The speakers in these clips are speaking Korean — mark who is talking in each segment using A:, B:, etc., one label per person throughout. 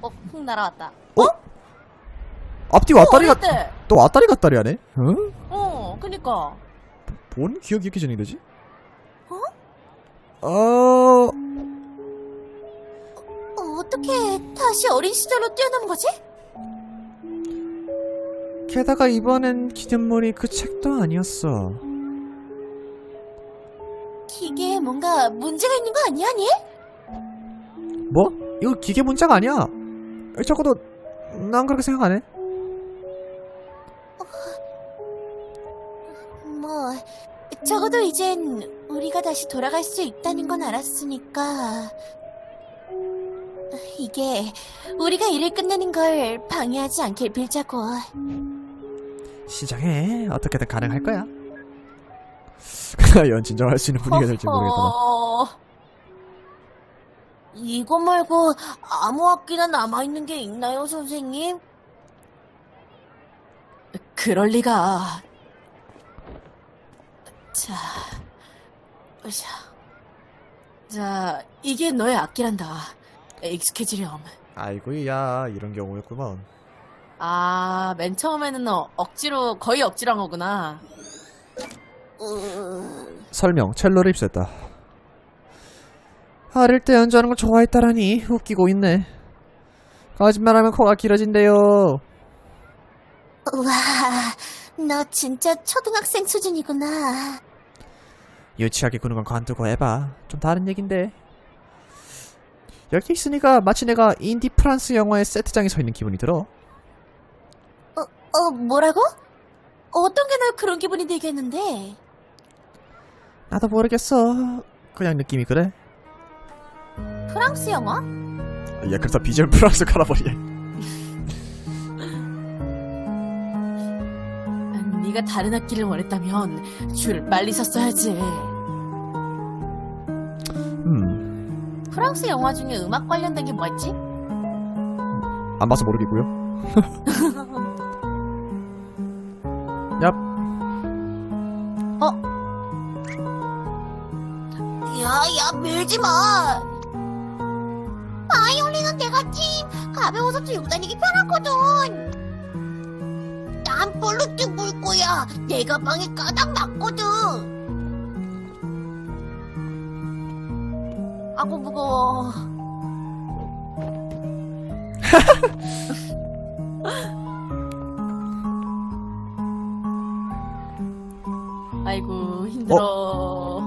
A: 훅 날아왔다.
B: 앞뒤 왔다리
A: 어딨대?
B: 또 왔다리 갔다리 하네? 응?
A: 그니까.
B: 뭔 기억이 이렇게 진행되지?
A: 어떻게 다시 어린 시절로 뛰어넘은 거지?
B: 게다가 이번엔 기념물이 그 책도 아니었어.
A: 기계에 뭔가 문제가 있는 거 아니야, 니?
B: 뭐? 이거 기계 문자가 아니야. 적어도 난 그렇게 생각 안 해.
A: 뭐 적어도 이젠 우리가 다시 돌아갈 수 있다는 건 알았으니까 이게 우리가 일을 끝내는 걸 방해하지 않길 빌자고.
B: 시작해. 어떻게든 가능할 거야. 과연 진정할 수 있는 분위기가 될지 모르겠다.
A: 이거 말고 아무 악기나 남아있는 게 있나요, 선생님? 그럴 리가. 자, 이게 너의 악기란다. 익숙해지렴.
B: 아이고야, 이런 경우였구먼.
A: 맨 처음에는 너 거의 억지로 한 거구나.
B: 설명, 첼로를 입수했다. 어릴 때 연주하는 걸 좋아했다라니 웃기고 있네. 거짓말하면 코가 길어진대요.
A: 우와, 너 진짜 초등학생 수준이구나.
B: 유치하게 구는 건 관두고 해봐. 좀 다른 얘긴데. 여기 있으니까 마치 내가 인디 프랑스 영화의 세트장에 서 있는 기분이 들어.
A: 뭐라고? 어떤 게 널 그런 기분이 들게 했는데?
B: 나도 모르겠어. 그냥 느낌이 그래.
A: 프랑스 영화?
B: 야, 그래서 비주얼 프랑스 갈아버리네.
A: 네가 다른 악기를 원했다면 줄을 빨리 섰어야지. 프랑스 영화 중에 음악 관련된 게 뭐 있지?
B: 안 봐서 모르겠고요. 얍.
A: 야, 밀지 마. 바이올린은 내가 가벼워서 들고 다니기 편하거든. 난 볼로 물 거야. 내 가방에 가닥 맞거든. 아고 무거워. 아이고 힘들어.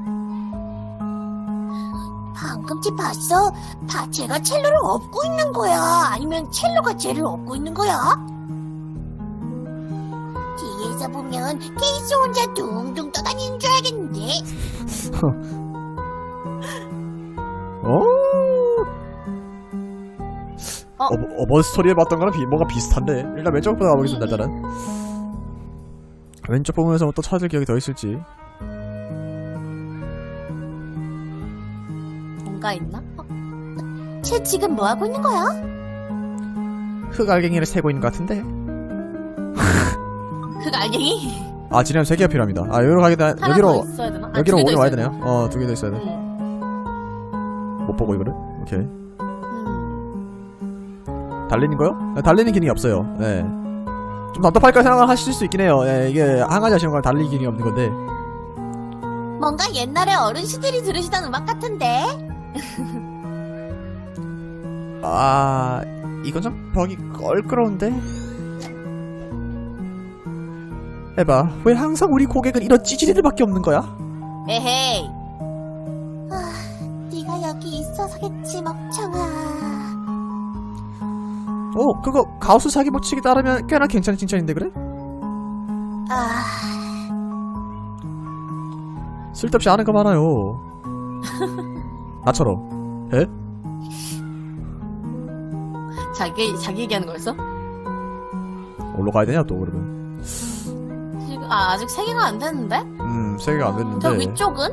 A: 방금 집 봤어? 쟤가 첼로를 업고 있는 거야? 아니면 첼로가 쟤를 업고 있는 거야? 뒤에서 보면 케이스 혼자 둥둥 떠다니는 줄 알겠는데.
B: 어버 스토리에 봤던 거랑 뭔가 비슷한데. 일단 왼쪽 부터 가보겠습니다. 일단은 왼쪽 부분에서 또 찾을 기억이 더 있을지.
A: 뭔가 있나? 쟤 지금 뭐 하고 있는 거야?
B: 흑알갱이를 세고 있는 것 같은데.
A: 흑알갱이?
B: 지금 3개가 필요합니다. 여기로 가게 되
A: 하나
B: 여기로
A: 더 있어야 되나?
B: 여기로 오긴 와야
A: 있어야
B: 되네요. 2개 더 있어야 돼. 못 보고 이거를. 오케이. 달리는 거요? 달리는 기능이 없어요. 네. 좀 답답할까 생각을 하실 수 있긴 해요. 네, 이게 한 가지 아쉬운 건 달리기 기능이 없는 건데.
A: 뭔가 옛날에 어른시들이 들으시던 음악 같은데?
B: 이건 좀 벽이 껄끄러운데? 에바, 왜 항상 우리 고객은 이런 찌질이들밖에 없는 거야?
A: 에헤이. 네가 여기 있어서겠지, 먹청아.
B: 그거 가우스 사기 법칙에 따르면 꽤나 괜찮은 칭찬인데 그래? 쓸데없이 아는 거 많아요. 나처럼. 에?
A: 자기 얘기하는 거였어?
B: 어디로 가야 되냐 또 그러면.
A: 지금 아직 3개가 안 됐는데?
B: 3개가 안 됐는데.
A: 저 위쪽은?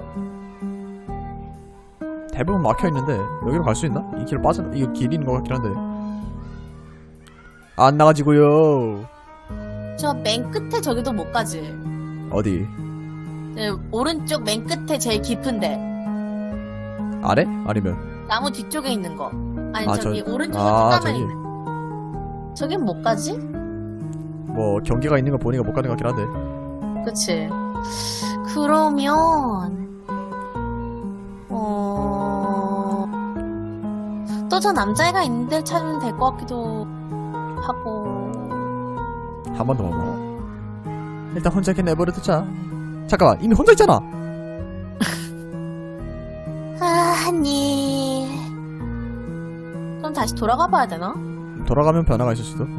B: 대부분 막혀 있는데 여기로 갈 수 있나? 이 길 이거 길이 있는 것 같긴 한데. 안 나가지고요.
A: 저 맨 끝에 저기도 못 가지.
B: 어디?
A: 네, 오른쪽 맨 끝에 제일 깊은데.
B: 아래? 아니면?
A: 나무 뒤쪽에 있는 거. 아니
B: 아,
A: 저기 오른쪽에
B: 아,
A: 뚝가면
B: 저기.
A: 있는. 저긴 못 가지?
B: 뭐 경기가 있는 거 보니까 못 가는 것 같긴 한데.
A: 그치. 그러면 또 저 남자애가 있는 데를 찾으면 될 것 같기도 하고.
B: 한 번 더 먹어. 일단 혼자 이렇게 내버려 두자. 잠깐만, 이미 혼자 있잖아.
A: 아니. 그럼 다시 돌아가 봐야 되나?
B: 돌아가면 변화가 있을 수도.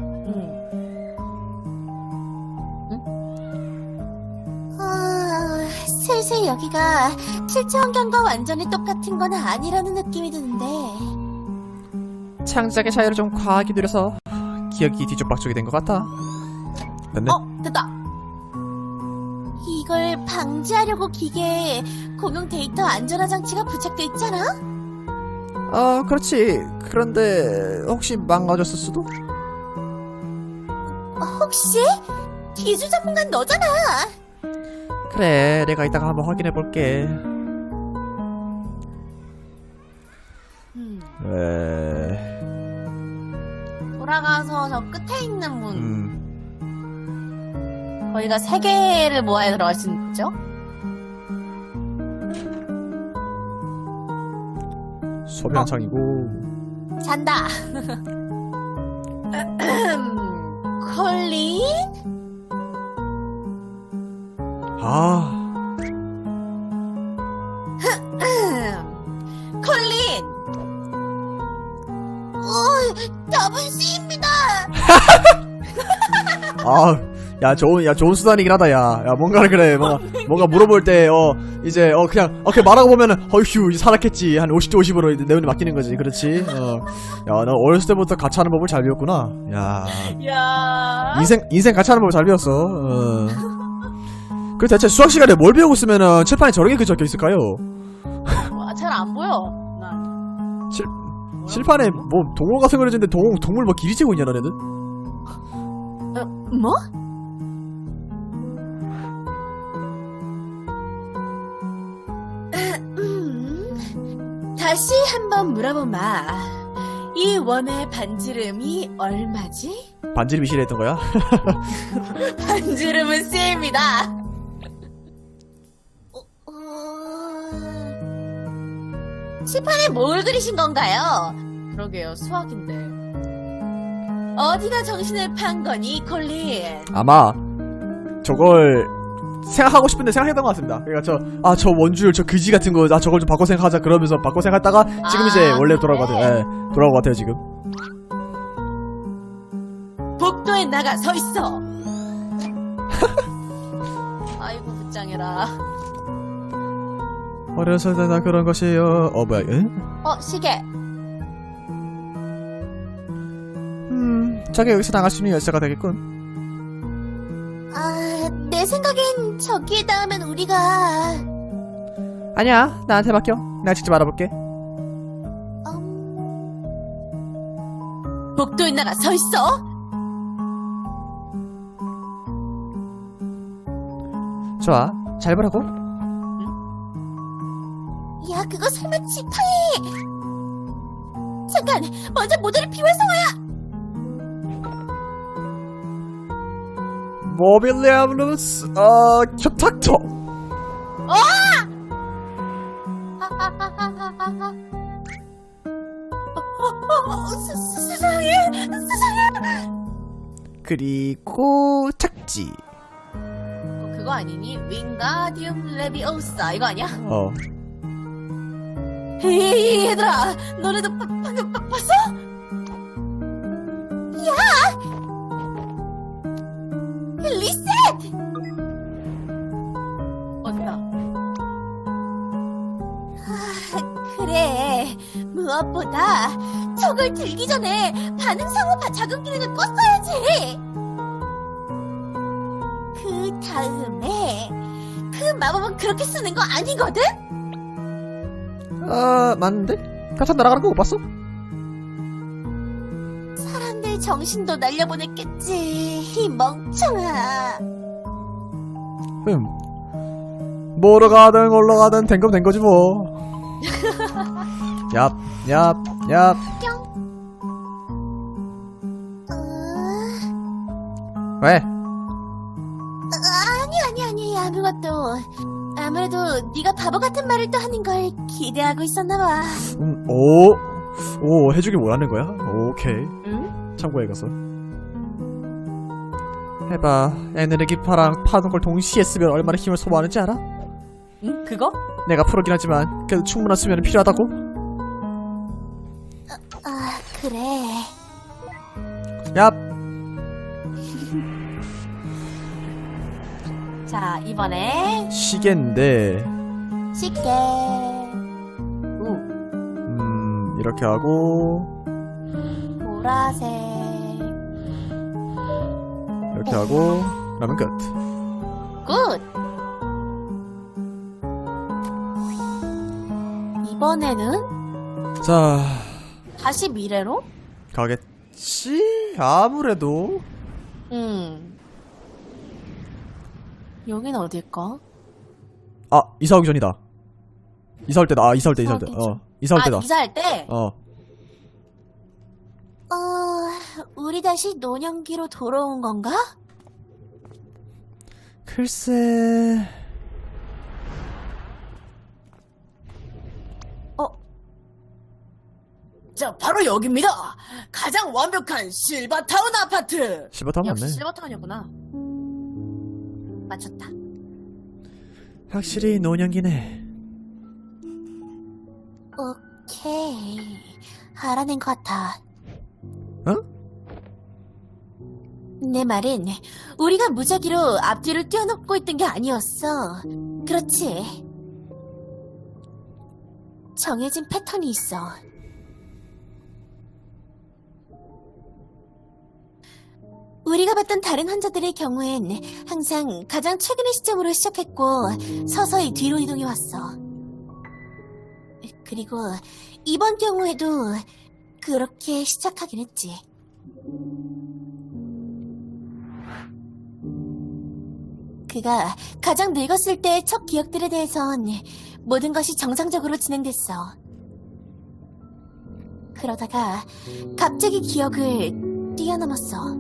A: 슬슬 여기가 실제 환경과 완전히 똑같은 건 아니라는 느낌이 드는데.
B: 창작의 자유를 좀 과하게 누려서 기억이 뒤죽박죽이 된 것 같아. 됐네.
A: 됐다. 이걸 방지하려고 기계에 공용 데이터 안전화 장치가 부착돼 있잖아?
B: 그렇지. 그런데 혹시 망가졌을 수도?
A: 혹시? 기술 전문가는 너잖아.
B: 그래, 내가 이따가 한번 확인해 볼게.
A: 돌아가서 저 끝에 있는 문. 거기가 3개를 모아야 들어갈 수 있죠?
B: 소변창이고.
A: 잔다. 콜린? 콜린! 답은 C입니다!
B: 좋은 수단이긴 하다, 야, 뭔가를 그래, 뭔가 물어볼 때, 이제, 그냥, 그냥 말하고 보면은, 어휴, 살았겠지. 한 50대 50으로 내 눈에 맡기는 거지, 그렇지? 야, 너 어렸을 때부터 같이 하는 법을 잘 배웠구나. 야. 인생 같이 하는 법을 잘 배웠어. 그 대체 수학 시간에 뭘 배우고 있으면은, 칠판에 저렇게 그 적혀 있을까요?
A: 잘 안 보여. 난.
B: 칠판에 뭐, 동물 같은 거 그려지는데, 동물 뭐 길이 재고 있냐, 너네들?
A: 뭐? 다시 한번 물어보마. 이 원의 반지름이 얼마지?
B: 반지름이 실했던 거야?
A: 반지름은 C입니다. 칠판에 뭘 그리신 건가요? 그러게요, 수학인데. 어디가 정신을 판 거니, 콜린?
B: 아마 저걸 생각하고 싶은데 생각했던 것 같습니다. 그러니까 저 원줄 저 그지 같은 거 저걸 좀 바꿔 생각하자 그러면서 바꿔 생각하다가 지금 이제 원래 돌아온 것 같아요. 예, 돌아온 것 같아요 지금.
A: 복도에 나가 서 있어. 아이고 불쌍해라.
B: 어려서 나 그런 것이요. 뭐야?
A: 시계.
B: 저게 여기서 나갈 수 있는 열쇠가 되겠군.
A: 내 생각엔 저기에 닿으면 우리가.
B: 아니야, 나한테 맡겨. 내가 직접 알아볼게.
A: 복도에 나가 서 있어.
B: 좋아, 잘 보라고.
A: 야, 그거 설마 지팡이? 잠깐, 먼저 모델을 비활성화야.
B: 모빌리아블루스 큐탁터.
A: 세상에.
B: 그리고 착지.
A: 그거 아니니? 윙가디움 레비오사 이거 아니야? 에이, 얘들아, 너네도 방금 봤어? 야! 리셋! 어디다? 그래. 무엇보다 저걸 들기 전에 반응상호 작은 기능을 껐어야지. 그 다음에 그 마법은 그렇게 쓰는 거 아니거든?
B: 맞는데? 가서 날아가는 거 못 봤어?
A: 사람들 정신도 날려보냈겠지. 이 멍청아.
B: 뭐로 가든 올라가든 된 거면 된 거지 뭐. 얍 야, 왜?
A: 아니 아무것도. 아무래도 네가 바보 같은 말을 또 하는 걸 기대하고 있었나 봐.
B: 오, 해주길 원하는 거야? 오케이.
A: 응?
B: 참고해 가서. 해봐. 에너지파랑 파는 걸 동시에 쓰면 얼마나 힘을 소모하는지 알아?
A: 응? 그거?
B: 내가 프로긴 하지만 그래도 충분한 수면은 필요하다고?
A: 아 그래.
B: 야,
A: 자 이번에
B: 시계인데
A: 쉽게.
B: 이렇게 하고
A: 보라색.
B: 이렇게 하고 그러면 끝.
A: 굿. 이번에는
B: 자,
A: 다시 미래로?
B: 가겠지? 아무래도.
A: 여긴 어딜까?
B: 아, 이사 오기 전이다. 이사 올 때다. 아, 이사 올 때.
A: 이사 올
B: 이사 올 때다.
A: 이사할 때?
B: 어.
A: 우리 다시 노년기로 돌아온 건가?
B: 글쎄.
A: 자, 바로 여기입니다. 가장 완벽한 실버타운 아파트.
B: 실버타운
A: 역시
B: 맞네.
A: 실버타운이었구나. 맞췄다.
B: 확실히 노년기네.
A: 오케이. 알아낸 것 같아.
B: 어?
A: 내 말은 우리가 무작위로 앞뒤를 뛰어넘고 있던 게 아니었어. 그렇지. 정해진 패턴이 있어. 우리가 봤던 다른 환자들의 경우엔 항상 가장 최근의 시점으로 시작했고 서서히 뒤로 이동해왔어. 그리고 이번 경우에도 그렇게 시작하긴 했지. 그가 가장 늙었을 때의 첫 기억들에 대해선 모든 것이 정상적으로 진행됐어. 그러다가 갑자기 기억을 뛰어넘었어.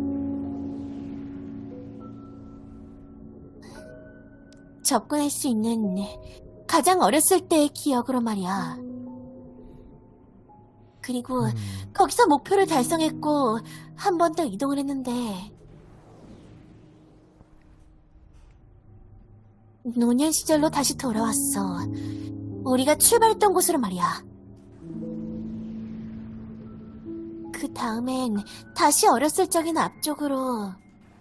A: 접근할 수 있는 가장 어렸을 때의 기억으로 말이야. 그리고 거기서 목표를 달성했고 한 번 더 이동을 했는데 노년 시절로 다시 돌아왔어. 우리가 출발했던 곳으로 말이야. 그 다음엔 다시 어렸을 적인 앞쪽으로,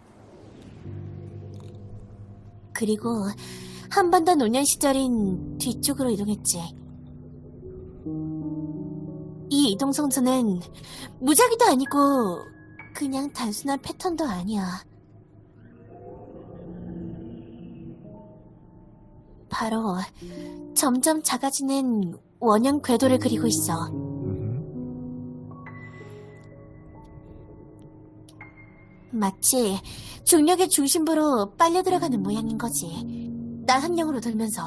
A: 그리고 한 번 더 노년 시절인 뒤쪽으로 이동했지. 이 이동 성수는 무작위도 아니고 그냥 단순한 패턴도 아니야. 바로 점점 작아지는 원형 궤도를 그리고 있어. 마치 중력의 중심부로 빨려 들어가는 모양인 거지. 날 한 명으로 들면서.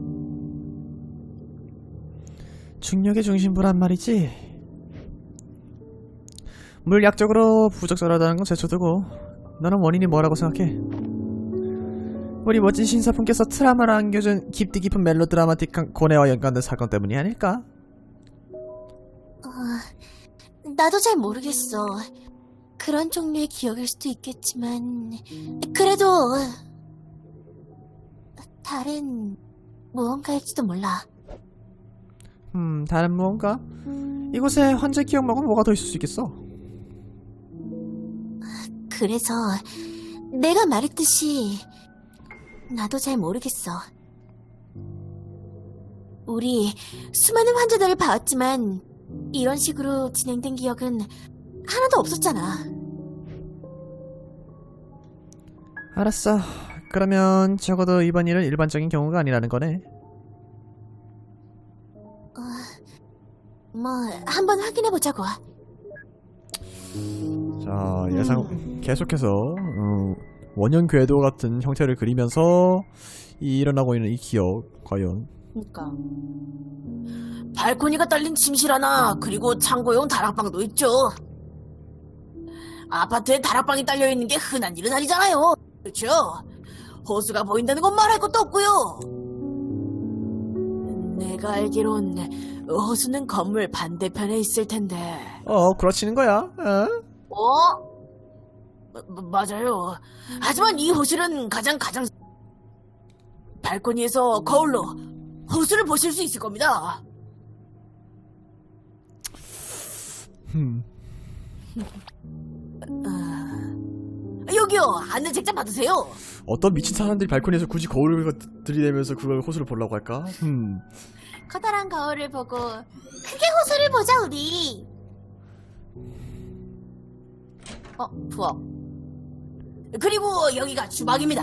B: 중력의 중심부란 말이지. 물리학적으로 부적절하다는 건 제쳐두고 너는 원인이 뭐라고 생각해? 우리 멋진 신사분께서 트라우마를 안겨준 깊디 깊은 멜로드라마틱한 고뇌와 연관된 사건 때문이 아닐까?
A: 나도 잘 모르겠어. 그런 종류의 기억일 수도 있겠지만 그래도 다른 무언가일지도 몰라.
B: 다른 무언가? 이곳에 환자 기억 말고 뭐가 더 있을 수 있겠어?
A: 그래서 내가 말했듯이 나도 잘 모르겠어. 우리 수많은 환자들을 봐왔지만 이런 식으로 진행된 기억은 하나도 없었잖아.
B: 알았어. 그러면 적어도 이번 일은 일반적인 경우가 아니라는 거네.
A: 뭐 한번 확인해보자고.
B: 자, 계속해서 원형 궤도 같은 형태를 그리면서 일어나고 있는 이 기억 과연
C: 그니까. 발코니가 딸린 침실 하나, 그리고 창고용 다락방도 있죠. 아파트에 다락방이 딸려있는 게 흔한 일은 아니잖아요. 그렇죠? 호수가 보인다는 건 말할 것도 없고요. 내가 알기론 호수는 건물 반대편에 있을 텐데.
B: 그렇지는 거야.
C: 맞아요. 하지만 이 호실은 가장 발코니에서 거울로 호수를 보실 수 있을 겁니다. 여기요, 안내 책자 받으세요.
B: 어떤 미친 사람들이 발코니에서 굳이 거울을 들이대면서 그걸 호수를 보려고 할까?
A: 커다란 거울을 보고 크게 호수를 보자 우리.
C: 부엌. 그리고 여기가 주방입니다.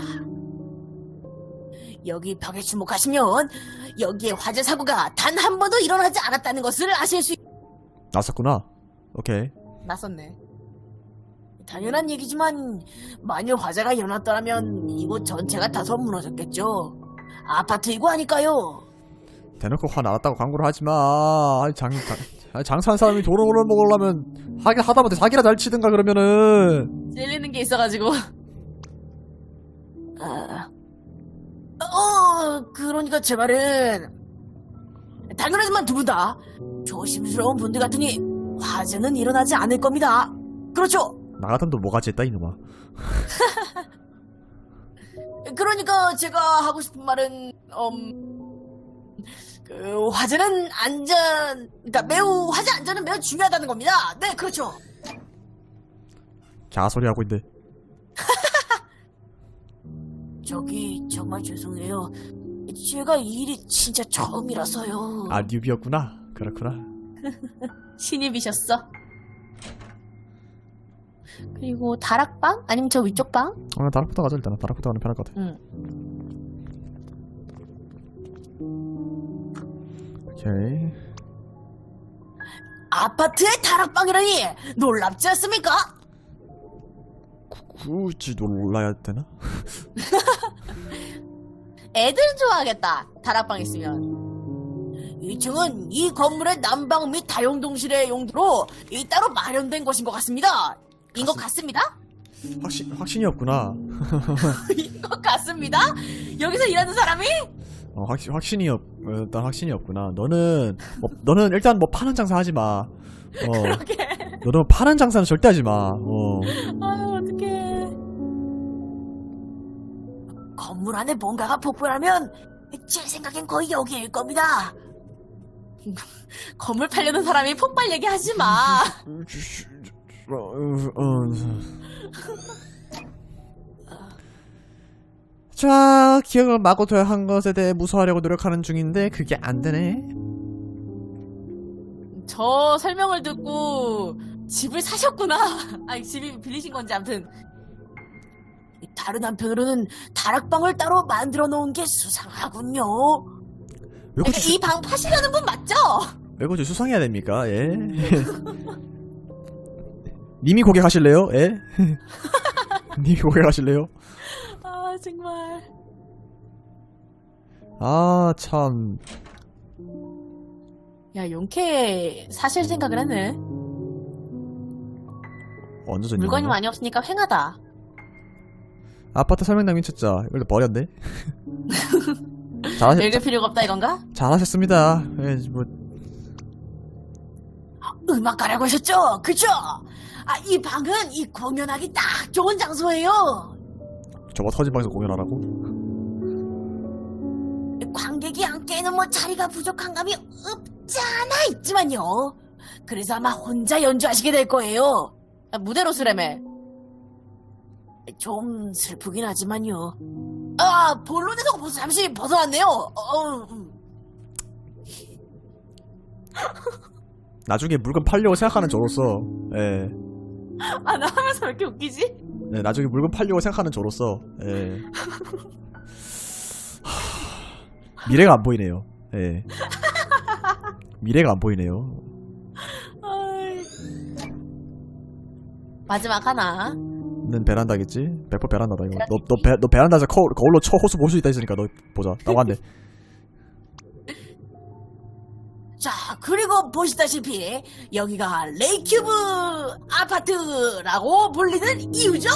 C: 여기 벽에 주목하시면 여기에 화재 사고가 단 한 번도 일어나지 않았다는 것을 아실 수
B: 났었구나. 오케이.
C: 났었네. 당연한 얘기지만 만일 화재가 일어났더라면 이곳 전체가 다소 무너졌겠죠. 아파트이고 하니까요.
B: 대놓고 화 나왔다고 광고를 하지마. 장사한 사람이 돈을 먹으려면 하다못해 사기라도 잘 치든가 그러면은.
C: 찔리는 게 있어가지고. 그러니까 제 말은 당연하지만 두 분 다 조심스러운 분들 같으니 화재는 일어나지 않을 겁니다. 그렇죠?
B: 나 같으면 또 뭐가지 했다 이놈아.
C: 그러니까 제가 하고 싶은 말은 그 화재 안전은 매우 중요하다는 겁니다. 네, 그렇죠.
B: 개소리 하고 있는데.
C: 저기 정말 죄송해요. 제가 이 일이 진짜 처음이라서요.
B: 아, 뉴비였구나. 그렇구나.
C: 신입이셨어. 그리고 다락방? 아니면 저 위쪽 방?
B: 다락부터 가자 일단. 다락부터 가는 편할 것 같아.
C: 응.
B: 오케이.
C: 아파트의 다락방이라니 놀랍지 않습니까?
B: 굳이 놀라야 되나?
C: 애들은 좋아하겠다. 다락방 있으면. 2층은 이 건물의 난방 및 다용동실의 용도로 따로 마련된 것인 것 같습니다. 인 것 같습니다?
B: 확신이 없구나.
C: 인 것 같습니다? 여기서 일하는 사람이?
B: 일단 확신이 없구나. 너는 일단 뭐 파는 장사 하지 마.
C: 그러게.
B: 너는 파는 장사는 절대 하지 마.
C: 아유, 어떡해. 건물 안에 뭔가가 폭발하면 제 생각엔 거의 여기일 겁니다. 건물 팔려는 사람이 폭발 얘기하지 마.
B: 자, 기억을 마구 한 것에 대해 무서워하려고 노력하는 중인데 그게 안 되네.
C: 저 설명을 듣고 집을 사셨구나. 아니, 집이 빌리신 건지 아무튼. 다른 한편으로는 다락방을 따로 만들어 놓은 게 수상하군요. 이 방 파시려는 분 맞죠?
B: 왜 굳이 수상해야 됩니까? 예. 님이 고객하실래요? 예? 님이 고객하실래요?
C: 아, 정말.
B: 아, 참.
C: 야, 용케 사실 생각을 했네.
B: 언제 전
C: 물건이 많이 없으니까 횡하다.
B: 아파트 설명당 미쳤자. 이걸 버렸네.
C: 읽을 필요가 없다 이건가?
B: 잘하셨습니다. 예, 뭐.
C: 음악가라고 하셨죠? 그쵸? 이 방은 이 공연하기 딱 좋은 장소예요.
B: 저거 터진 방에서 공연하라고?
C: 관객이 앉기에는 뭐 자리가 부족한 감이 없지 않아 있지만요. 그래서 아마 혼자 연주하시게 될 거예요. 무대로 쓰래매. 좀 슬프긴 하지만요. 본론에서 벌써 잠시 벗어났네요.
B: 나중에 물건 팔려고 생각하는 저로서, 예.
C: 나 하면서 왜 이렇게 웃기지?
B: 네, 나중에 물건 팔려고 생각하는 저로서, 예. 미래가 안 보이네요. 예. 미래가 안 보이네요.
C: 마지막 하나.
B: 는 베란다겠지? 100% 베란다다 이거. 너 베란다에서 거울로 호수 볼 수 있다 했으니까 너 보자. 나고 한대.
C: 그리고 보시다시피 여기가 레이큐브 아파트라고 불리는 이유죠.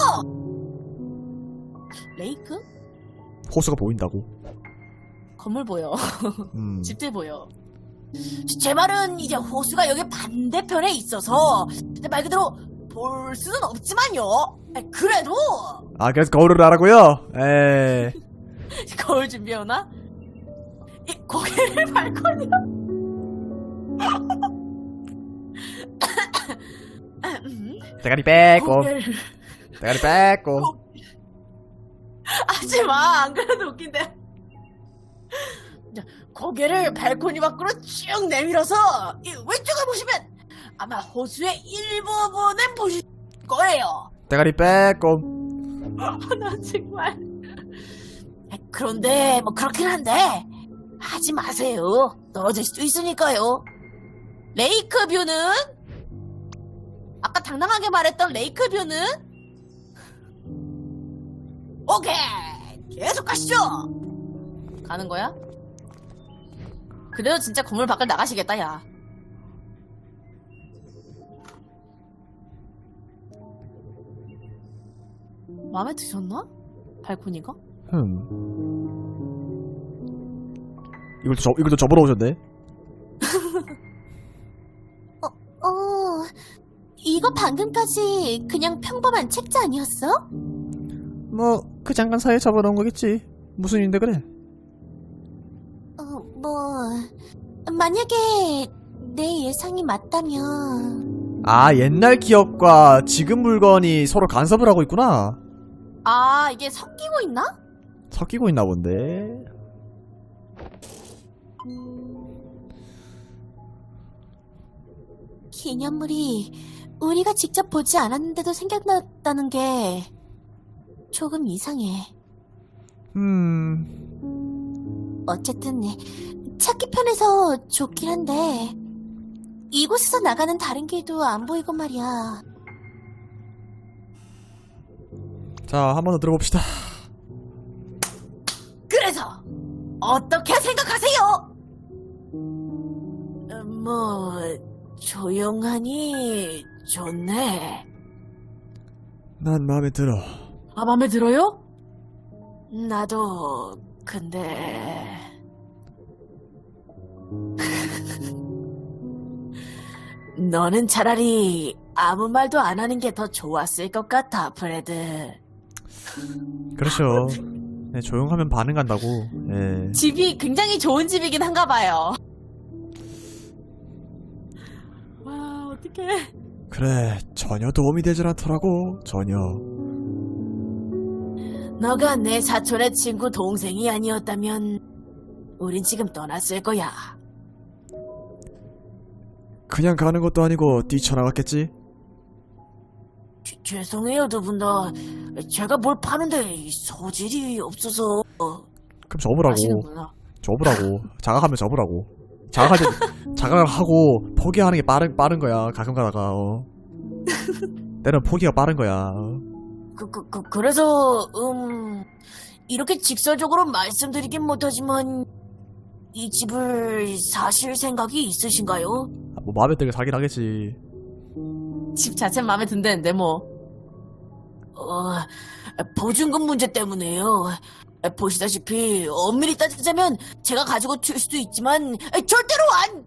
C: 레이크?
B: 호수가 보인다고.
C: 건물 보여.
B: 음.
C: 집들 보여. 제 말은 이제 호수가 여기 반대편에 있어서 말 그대로 볼 수는 없지만요. 그래도
B: 아, 그래서 거울을 하라고요? 에.
C: 거울 준비해오나? 이 고개를 발걸이요.
B: 대가리 빼고.
C: 고개를
B: 대가리 빼고.
C: 하지마. 안 그래도 웃긴데. 자, 고개를 발코니 밖으로 쭉 내밀어서 이 왼쪽을 보시면 아마 호수의 일부분을 보실 거예요.
B: 대가리 빼고.
C: 나 정말. 그런데 뭐 그렇긴 한데 하지 마세요. 떨어질 수도 있으니까요. 레이크 뷰는 아까 당당하게 말했던 레이크 뷰는 오케이 계속 가시죠. 가는 거야? 그래도 진짜 건물 밖을 나가시겠다 야. 마음에 드셨나? 발코니가?
B: 이걸 또 접으러 오셨네.
A: 이거 방금까지 그냥 평범한 책자 아니었어?
B: 뭐, 그 잠깐 사이에 접어놓은 거겠지. 무슨 일인데 그래?
A: 만약에 내 예상이 맞다면
B: 아, 옛날 기억과 지금 물건이 서로 간섭을 하고 있구나.
C: 아 이게 섞이고 있나?
B: 섞이고 있나 본데.
A: 기념물이 우리가 직접 보지 않았는데도 생각났다는 게 조금 이상해. 어쨌든 찾기 편해서 좋긴 한데 이곳에서 나가는 다른 길도 안 보이고 말이야.
B: 자, 한 번 더 들어봅시다.
C: 그래서 어떻게 생각하세요? 뭐 조용하니 좋네.
B: 난 마음에 들어.
C: 아 마음에 들어요? 나도 근데 너는 차라리 아무 말도 안 하는 게 더 좋았을 것 같아, 프레드.
B: 그렇죠. 네, 조용하면 반응한다고. 예.
C: 집이 굉장히 좋은 집이긴 한가 봐요. 와, 어떡해.
B: 그래, 전혀 도움이 되질 않더라고. 전혀.
C: 너가 내 사촌의 친구 동생이 아니었다면 우린 지금 떠났을 거야.
B: 그냥 가는 것도 아니고 뛰쳐나갔겠지?
C: 죄송해요, 두 분 다. 제가 뭘 파는데 소질이 없어서.
B: 그럼 접으라고.
C: 아시는구나.
B: 접으라고. 자각하면 접으라고. 자각을 하고 포기하는 게 빠른 거야. 가끔 가다가. 때는 포기가 빠른 거야.
C: 그래서 이렇게 직설적으로 말씀드리긴 못하지만 이 집을 사실 생각이 있으신가요?
B: 뭐 마음에 들게 살긴 하겠지.
C: 집 자체 마음에 든다는데 뭐. 보증금 문제 때문에요. 보시다시피 엄밀히 따지자면 제가 가지고 튈 수도 있지만 절대로 안.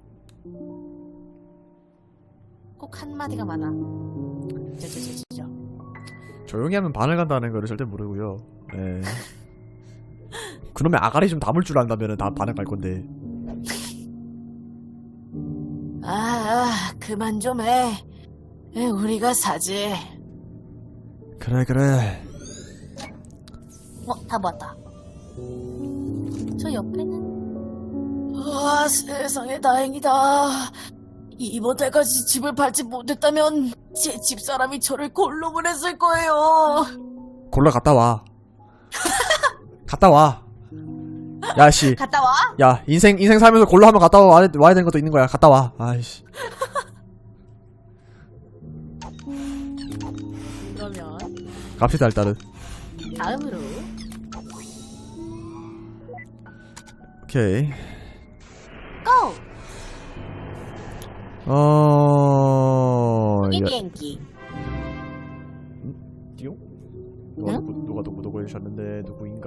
C: 꼭 한마디가 많아. 저.
B: 조용히 하면 반을 간다는 거를 절대 모르고요. 예. 그놈의 아가리 좀 담을 줄 안다면 다 반을 갈 건데.
C: 그만 좀 해. 우리가 사지.
B: 그래.
A: 다 모았다. 저 옆에는
C: 세상에 다행이다. 이번 달까지 집을 밟지 못했다면 제 집사람이 저를 골로 보냈을 거예요.
B: 골라 갔다 와. 갔다 와. 야, 씨.
C: 갔다 와?
B: 야, 인생 살면서 골라 한번 갔다 와야 되는 것도 있는 거야. 갔다 와. 아이씨.
C: 그러면
B: 갑시다, 일단은.
C: 다음으로
B: 오케이.
C: 고! 이
B: 야,
C: 비행기.
B: 띠용?
C: 응?
B: 누가 구독을 해주셨는데 누구인가?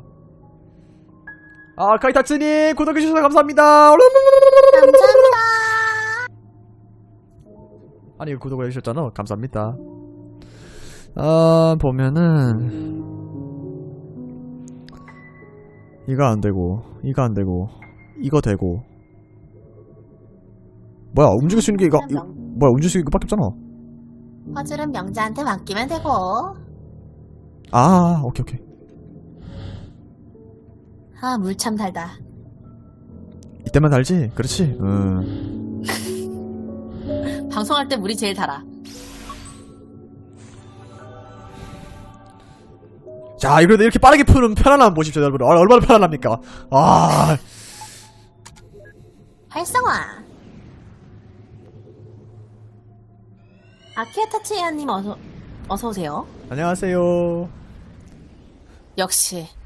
B: 아 카이타츠님 구독해주셔서 감사합니다.
A: 감사합니다.
B: 아니 구독을 해주셨잖아. 감사합니다. 아 보면은 이거 안되고 이거 안되고 이거 되고 뭐야 움직일 수 있는 게 이거 뭐야 움직일 수 있는 거 밖에 없잖아.
A: 퍼즐은 명자한테 맡기면 되고.
B: 아 오케이
C: 아, 물 참 달다.
B: 이때만 달지? 그렇지.
C: 방송할 때 물이 제일 달아.
B: 자 이거 이렇게 빠르게 푸는 편안함 보십시오 여러분. 얼마나 편안합니까? 아
A: 활성화.
C: 아키아타치야님 어서 오세요.
B: 안녕하세요.
C: 역시